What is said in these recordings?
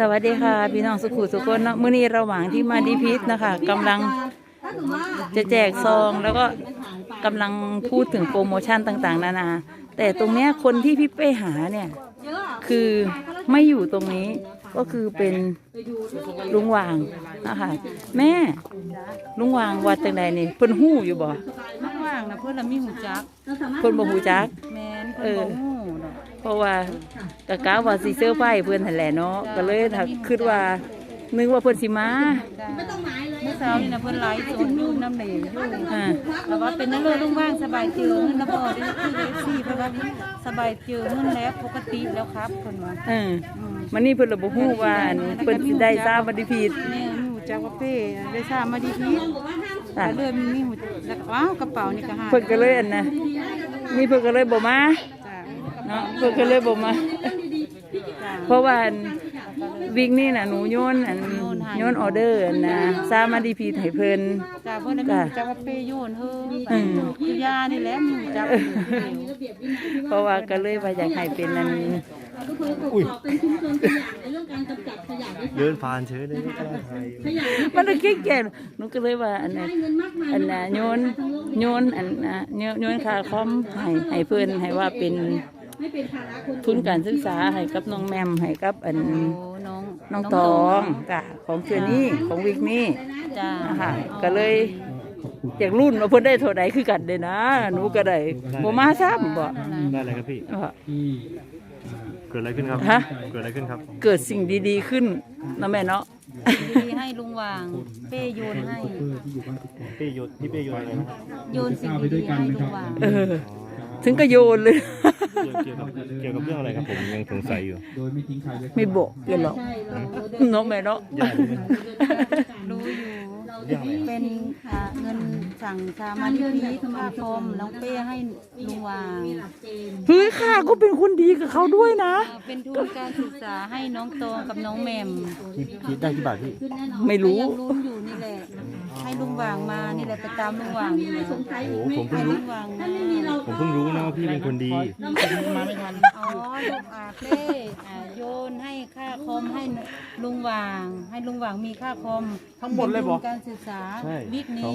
วัสดีค่ะพี่น้องสุขุสุขคนเนาะมื้อนี้ระหว่างที่มาดีพิษนะคะกำลังจะแจกซองแล้วก็กำลังพูดถึงโปรโมชั่นต่างๆนานาแต่ตรงเนี้ยคนที่พี่เป้หาเนี่ยคือไม่อยู่ตรงนี้ก็คือเป็นลุงวางนะคะแม่ลุงวางวัดจังใดนี่เพิ่นฮู้อยู่บ่ลุงวางนะเพิ่นละมีหูจักเพิ่นบ่ฮู้จักแม่นเพิ่นบ่ฮู้เนาะเพราะว่ากะกะว่าสิเซอร์ไพรส์เพิ่นนั่นแหละเนาะก็เลยถ้าคิดว่านึกว่าเพิ่นสิมาเมื่อเช้านี่นะเพิ่นไลฟ์สดอยู่น้ำเหลวอยู่แล้วว่าเป็นนั่นเลยลุงว่างสบายเจือเงินนะบ่ได้คือได้ซี่เพิ่นว่าสบายเจือเงินแล้วปกติแล้วครับเพิ่นว่ามันนี่เพิ่นละบ่ฮู้ว่าเพิ่นสิได้ทราบวันดีผิดแม่ฮู้จักว่าเป้ได้ทราบมาดีผิดก็เลยมีหูแล้วว้าวกระเป๋านี่ก็หาเพิ่นก็เลยอันน่ะนี่เพิ่นก็เลยบ่มาเนาะเพิ่นก็เลยบ่มาเพราะว่าวิกนี่น่ะหนูโยนออเดอร์นะทราบมาดีผิดให้เพิ่นจ้าเพิ่นน่ะจักว่าเป้โยนเฮ้คือยานี่แหละมีจักเพราะว่าก็เลยว่าอยากให้เป็นนั่นเดินผ่านเฉยเลยมันก็แก่ๆหนูก็เลยว่าอันน่ะโยนอันน่ะโยนค่าคอมให้เพิ่นให้ว่าเป็นทุนการศึกษาให้กับน้องแมมให้กับอันน้องตองกะของเชือนี่ของวิกนี่จ้าค่ะก็เลยจากรุ่นว่าเพิ่นได้เท่าใดคือกันเด้นะหนูก็ได้บ่มาซ้ำบ่ได้อะไรครับพี่เกิดอะไรขึ้นครับเกิดอะไรขึ้นครับเกิดสิ่งดีๆขึ้นนะแม่เนาะดีให้ลุงวางเป้โยนให้พี่เป้โยนอะไรนะครับโยนสิ่งดีๆให้ลุงวางถึงก็โยนเลยเกี่ยวกับเรื่องอะไรครับผมยังสงสัยอยู่ไม่บอกกันหรอกเนาะแม่เนาะรู้อยู่เป็นเงินสั่งชามาที่นี้ค่าคอมน้องเป้ให้ลุงวางเฮ้ยข้าก็เป็นคนดีกับเขาด้วยนะเป็นทุนการศึกษาให้น้องโตกับน้องแมมคิดได้กี่บาทพี่ไม่รู้ยังลุ้นอยู่นี่แหละให้ลุงวางมานี่แหละไปตามลุงวางโอ้ผมเพิ่งรู้นะว่าพี่เป็นคนดีมาไม่ทันอ๋อลูกเป้โยนให้ค่าคอมให้ลุงวางมีค่าคอมทั้งหมดเลยบอกการศึกษาวิกนี้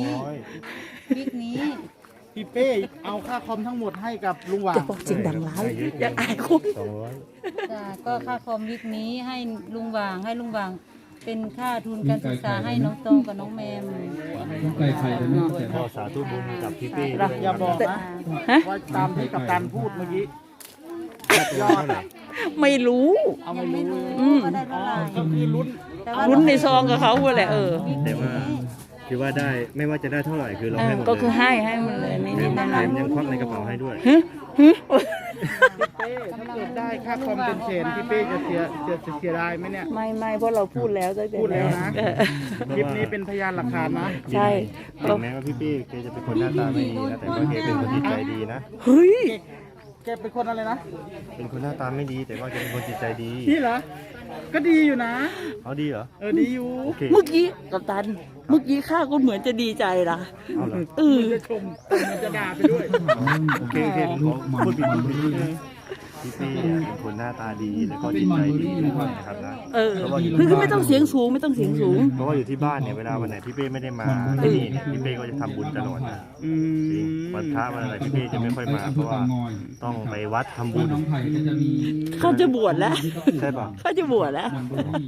พี่เป้เอาค่าคอมทั้งหมดให้กับลุงหว่างจะบอกจริงดังร้ายอยากอายคุณจ้าก็ค่าคอมวิกนี้ให้ลุงวางเป็นค่าทุนการศึกษาให้น้องตองกับน้องแมมขอสาธุบุญกับพี่เป้อย่าบอกนะว่าตามที่กัปตันพูดเมื่อกี้ยอดไม่รู้เอาไม่รู้ก็คือลุ้นในซองกับเขาเลยแต่ว่าคือว่าได้ไม่ว่าจะได้เท่าไหร่คือเราให้หมดก็คือให้มันเลยนี่นั่นยังควักในกระเป๋าให้ด้วยพี่เป้ถ้าเกิดได้ค่าคอมเป็นเชนพี่เป้จะเสียได้ไหมเนี่ยไม่เพราะเราพูดแล้วนะคลิปนี้เป็นพยานหลักฐานนะใช่ถึงแม้ว่าพี่เป้แกจะเป็นคนหน้าตาไม่ดีนะแต่ว่าแกเป็นคนจิตใจดีนะเฮ้ยแกเป็นคนอะไรนะเป็นคนหน้าตาไม่ดีแต่ว่าแกเป็นคนจิตใจดีนี่เหรอก็ดีอยู่นะเขาดีเหรอดีอยู่เมื่อกี้กัปตันเมื่อกี้ข้าก็เหมือนจะดีใจนะจะชมจะด่าไปด้วยโอเคพูดผิดพี่เป้เป็นคนหน้าตาดีแล้วก็จิตใจดีนะครับนะคือไม่ต้องเสียงสูงเพราะว่าอยู่ที่บ้านเนี่ยเวลาวันไหนพี่เป้ไม่ได้มาที่นี่เนี่ยพี่เป้ก็จะทำบุญตลอดนะจริงวันพระวันอะไรพี่เป้จะไม่ค่อยมาเพราะว่าต้องไปวัดทำบุญเขาจะบวชแล้วใช่ป่ะเขาจะบวชแล้ว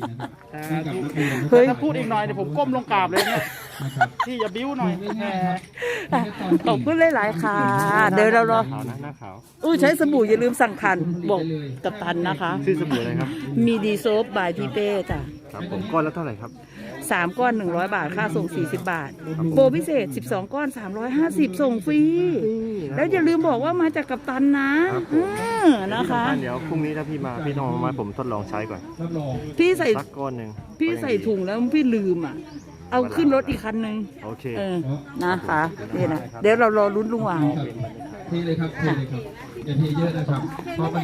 ถ้าพูดอีกหน่อยเดี๋ยวผมก้มลงกราบเลยเนี่ยพี่อย่าบิ้วหน่อยขอบคุณหลายๆค่ะเดี๋ยวเราหน้าขาวใช้สบู่อย่าลืมสั่งทันบอกกับตันนะคะชื่อสบู่อะไรครับมีดีโซฟบายพี่เป้จ้ะครับผมก้อนละเท่าไหร่ครับ 3 ก้อน100 บาทค่าส่ง40 บาทโปรพิเศษ12 ก้อน350ส่งฟรีแล้วอย่าลืมบอกว่ามาจากกัปตันนะนะคะเดี๋ยวพรุ่งนี้ถ้าพี่มาพี่ต้องมาผมทดลองใช้ก่อนพี่ใส่สักก้อนหนึ่งพี่ใส่ถุงแล้วพี่ลืมเอาขึ้นรถอีกคันนึงโอเคนะคะนี่นะเดี๋ยวเรารอลุ้นลุงหว่างเทเลยครับอย่าเทเยอะนะครับ